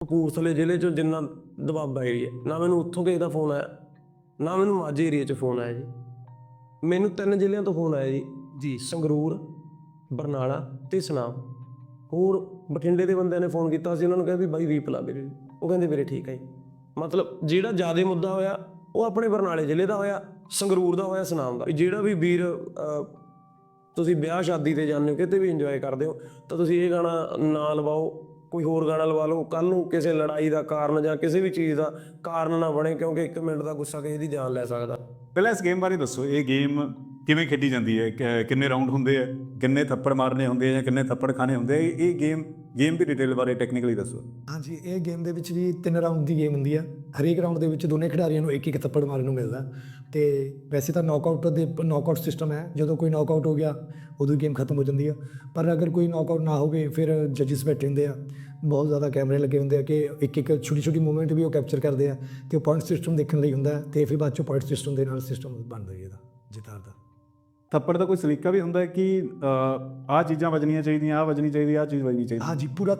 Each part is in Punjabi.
ਕਪੂਰਥਲੇ ਜ਼ਿਲ੍ਹੇ 'ਚੋਂ ਜਿੰਨਾ ਦੁਆਬਾ ਏਰੀਆ, ਨਾ ਮੈਨੂੰ ਉੱਥੋਂ ਕਿਸੇ ਦਾ ਫੋਨ ਆਇਆ, ਨਾ ਮੈਨੂੰ ਮਾਝੇ ਏਰੀਏ 'ਚ ਫੋਨ ਆਇਆ ਜੀ। ਮੈਨੂੰ 3 ਜ਼ਿਲ੍ਹਿਆਂ ਤੋਂ ਫੋਨ ਆਇਆ ਜੀ, ਸੰਗਰੂਰ, ਬਰਨਾਲਾ ਅਤੇ ਸੁਨਾਮ। ਹੋਰ ਬਠਿੰਡੇ ਦੇ ਬੰਦਿਆਂ ਨੇ ਫੋਨ ਕੀਤਾ ਸੀ, ਉਹਨਾਂ ਨੂੰ ਕਿਹਾ ਵੀ ਬਾਈ ਰੀਪ ਲਾ ਵੀਰੇ, ਉਹ ਕਹਿੰਦੇ ਵੀਰੇ ਠੀਕ ਹੈ ਜੀ। ਮਤਲਬ ਜਿਹੜਾ ਜ਼ਿਆਦਾ ਮੁੱਦਾ ਹੋਇਆ ਉਹ ਆਪਣੇ ਬਰਨਾਲੇ ਜ਼ਿਲ੍ਹੇ ਦਾ ਹੋਇਆ, ਸੰਗਰੂਰ ਦਾ ਹੋਇਆ, ਸੁਨਾਮ ਦਾ। ਜਿਹੜਾ ਵੀ ਵੀਰ ਤੁਸੀਂ ਵਿਆਹ ਸ਼ਾਦੀ 'ਤੇ ਜਾਂਦੇ ਹੋ, ਕਿਤੇ ਵੀ ਇੰਜੋਏ ਕਰਦੇ ਹੋ, ਤਾਂ ਤੁਸੀਂ ਇਹ ਗਾਣਾ ਨਾ ਲਵਾਓ, ਕੋਈ ਹੋਰ ਗਾਣਾ ਲਵਾ ਲਓ। ਕੱਲ੍ਹ ਨੂੰ ਕਿਸੇ ਲੜਾਈ ਦਾ ਕਾਰਨ ਜਾਂ ਕਿਸੇ ਵੀ ਚੀਜ਼ ਦਾ ਕਾਰਨ ਨਾ ਬਣੇ, ਕਿਉਂਕਿ 1 ਮਿੰਟ ਦਾ ਗੁੱਸਾ ਕਿਸੇ ਦੀ ਜਾਨ ਲੈ ਸਕਦਾ। ਪਹਿਲਾਂ ਇਸ ਗੇਮ ਬਾਰੇ ਦੱਸੋ, ਇਹ ਗੇਮ ਕਿਵੇਂ ਖੇਡੀ ਜਾਂਦੀ ਹੈ, ਕਿੰਨੇ ਰਾਊਂਡ ਹੁੰਦੇ ਆ, ਕਿੰਨੇ ਥੱਪੜ ਮਾਰਨੇ ਹੁੰਦੇ ਆ ਜਾਂ ਕਿੰਨੇ ਥੱਪੜ ਖਾਣੇ ਹੁੰਦੇ ਆ? ਇਹ ਗੇਮ ਦੀ ਡਿਟੇਲ ਬਾਰੇ ਟੈਕਨੀਕਲੀ ਦੱਸੋ। ਹਾਂਜੀ, ਇਹ ਗੇਮ ਦੇ ਵਿੱਚ ਵੀ 3 ਰਾਊਂਡ ਦੀ ਗੇਮ ਹੁੰਦੀ ਆ। ਹਰੇਕ ਰਾਊਂਡ ਦੇ ਵਿੱਚ ਦੋਨੇ ਖਿਡਾਰੀਆਂ ਨੂੰ 1-1 ਥੱਪੜ ਮਾਰਨ ਨੂੰ ਮਿਲਦਾ। ਅਤੇ ਵੈਸੇ ਤਾਂ ਨੌਕਆਊਟ ਸਿਸਟਮ ਹੈ। ਜਦੋਂ ਕੋਈ ਨੌਕਆਊਟ ਹੋ ਗਿਆ ਉਦੋਂ ਗੇਮ ਖਤਮ ਹੋ ਜਾਂਦੀ ਆ। ਪਰ ਅਗਰ ਕੋਈ ਨੌਕਆਊਟ ਨਾ ਹੋਵੇ ਫਿਰ ਜੱਜਿਸ ਬੈਠੇ ਹੁੰਦੇ ਆ, ਬਹੁਤ ਜ਼ਿਆਦਾ ਕੈਮਰੇ ਲੱਗੇ ਹੁੰਦੇ ਆ ਕਿ ਇੱਕ ਛੋਟੀ ਮੂਵਮੈਂਟ ਵੀ ਉਹ ਕੈਪਚਰ ਕਰਦੇ ਆ, ਅਤੇ ਉਹ ਪੁਆਇੰਟ ਸਿਸਟਮ ਦੇਖਣ ਲਈ ਹੁੰਦਾ। ਅਤੇ ਫਿਰ ਬਾਅਦ 'ਚੋਂ ਪੁਆਇੰਟ ਸਿਸਟਮ ਦੇ ਨਾਲ ਸਿਸਟਮ ਬਣਦਾ ਜੀ ਇਹਦਾ ਜਿਤਾਰ ਦਾ। ਥੱਪੜ ਦਾ ਕੋਈ ਸਲੀਕਾ ਵੀ ਹੁੰਦਾ ਹੈ ਕਿ ਆਹ ਚੀਜ਼ਾਂ ਵੱਜਣੀਆਂ ਚਾਹੀਦੀਆਂ, ਆਹ ਵੱਜਣੀ ਚਾਹੀਦੀ, ਆਹ ਚੀਜ਼ ਵੱਜਣੀ ਚਾਹੀਦੀ? ਹਾਂਜੀ, ਪੂਰਾ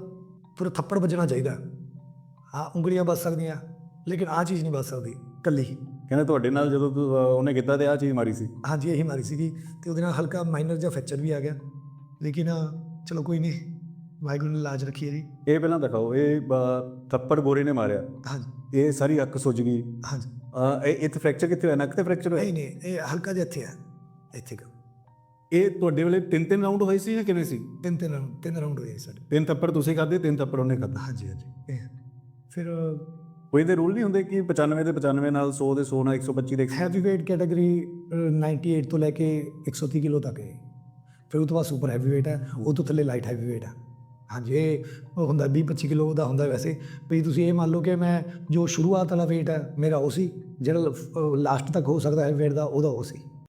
ਥੱਪੜ ਵੱਜਣਾ ਚਾਹੀਦਾ। ਹਾਂ, ਉਂਗਲੀਆਂ ਵੱਜ ਸਕਦੀਆਂ, ਲੇਕਿਨ ਆਹ ਚੀਜ਼ ਨਹੀਂ ਵੱਜ ਸਕਦੀ ਇਕੱਲੀ। ਕਹਿੰਦੇ ਤੁਹਾਡੇ ਨਾਲ ਜਦੋਂ ਉਹਨੇ ਕੀਤਾ ਤੇ ਆਹ ਚੀਜ਼ ਮਾਰੀ ਸੀ? ਹਾਂਜੀ, ਇਹੀ ਮਾਰੀ ਸੀਗੀ, ਅਤੇ ਉਹਦੇ ਨਾਲ ਹਲਕਾ ਮਾਈਨਰ ਜਿਹਾ ਫ੍ਰੈਕਚਰ ਵੀ ਆ ਗਿਆ, ਲੇਕਿਨ ਚਲੋ ਕੋਈ ਨਹੀਂ, ਵਾਹਿਗੁਰੂ ਨੇ ਲਾਜ ਰੱਖੀ ਹੈ ਜੀ। ਇਹ ਪਹਿਲਾਂ ਦਿਖਾਓ, ਇਹ ਥੱਪੜ ਗੋਰੇ ਨੇ ਮਾਰਿਆ। ਹਾਂਜੀ, ਇਹ ਸਾਰੀ ਅੱਖ ਸੁੱਜ ਗਈ। ਹਾਂਜੀ, ਇੱਥੇ ਫ੍ਰੈਕਚਰ ਕਿੱਥੇ ਹੋਇਆ? ਨੱਕ ਤੇ ਫ੍ਰੈਕਚਰ ਹੋਇਆ? ਨਹੀਂ, ਇਹ ਹਲਕਾ ਜਿਹਾ ਇੱਥੇ ਆ, ਇੱਥੇ ਕੁ। ਇਹ ਤੁਹਾਡੇ ਵੇਲੇ 3 ਰਾਊਂਡ ਹੋਏ ਸੀ ਜਾਂ ਕਿਵੇਂ ਸੀ? 3 ਰਾਊਂਡ ਹੋਏ ਸਾਡੇ। 3 ਥੱਪੜ ਤੁਸੀਂ ਖਾਧੇ, 3 ਥੱਪੜ ਉਹਨੇ ਖਾਧਾ? ਹਾਂਜੀ, ਇਹ ਫਿਰ ਕੋਈ ਇਹਦੇ ਰੂਲ ਨਹੀਂ ਹੁੰਦੇ ਕਿ 95 ਦੇ 95 ਨਾਲ, 100 ਦੇ 100 ਨਾਲ, 125 ਦੇ 100? ਹੈਵੀ ਵੇਟ ਕੈਟਾਗਰੀ 98 ਤੋਂ ਲੈ ਕੇ 130 ਕਿਲੋ ਤੱਕ ਹੈ। ਫਿਰ ਉਹ ਤੋਂ ਬਾਅਦ ਸੁਪਰ ਹੈਵੀ ਵੇਟ ਹੈ, ਉਹ ਤੋਂ ਥੱਲੇ ਲਾਈਟ ਹੈਵੀ ਵੇਟ ਹੈ। ਹਾਂਜੀ, ਇਹ ਹੁੰਦਾ 20-25 ਕਿਲੋ ਦਾ ਹੁੰਦਾ ਵੈਸੇ। ਵੀ ਤੁਸੀਂ ਇਹ ਮੰਨ ਲਓ ਕਿ ਮੈਂ ਜੋ ਸ਼ੁਰੂਆਤ ਵਾਲਾ ਵੇਟ ਹੈ ਮੇਰਾ ਉਹ ਸੀ, ਜਿਹੜਾ ਲਾਸਟ ਤੱਕ ਹੋ ਸਕਦਾ ਹੈ ਵੇਟ ਦਾ, ਉਹਦਾ ਉਹ ਸੀ।